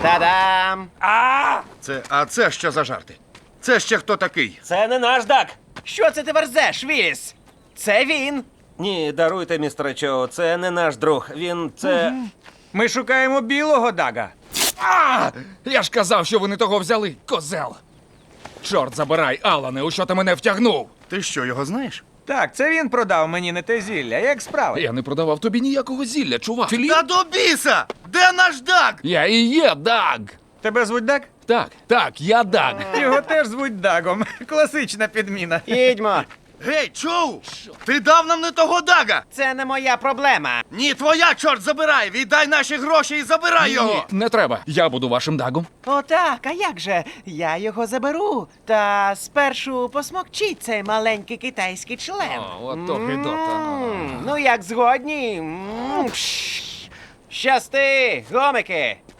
Та-дам! А це що за жарти? Це ще хто такий? Це не наш Даг. Що це ти верзеш, Віліс? Це він. Ні, даруйте, містере Чо, це не наш друг. Це... Ми шукаємо білого Дага. Я ж казав, що ви не того взяли, козел. Чорт забирай, Алане, у що ти мене втягнув? Ти що, його знаєш? Так, це він продав мені не те зілля. Як справи? Я не продавав тобі ніякого зілля, чувак. Та до біса! Де наш Даг? Я і є Даг. Тебе звуть Даг? Так, я Даг. Його теж звуть Дагом. Класична підміна. Їдьмо. Гей, чув? Ти дав нам не того Дага! Це не моя проблема. Ні, твоя, чорт забирай! Віддай наші гроші і забирай його! Не треба, я буду вашим Дагом. Отак, а як же? Я його заберу. Та спершу посмокчіть цей маленький китайський член. От то гидота. Ну як згодні? Щасти, гомики!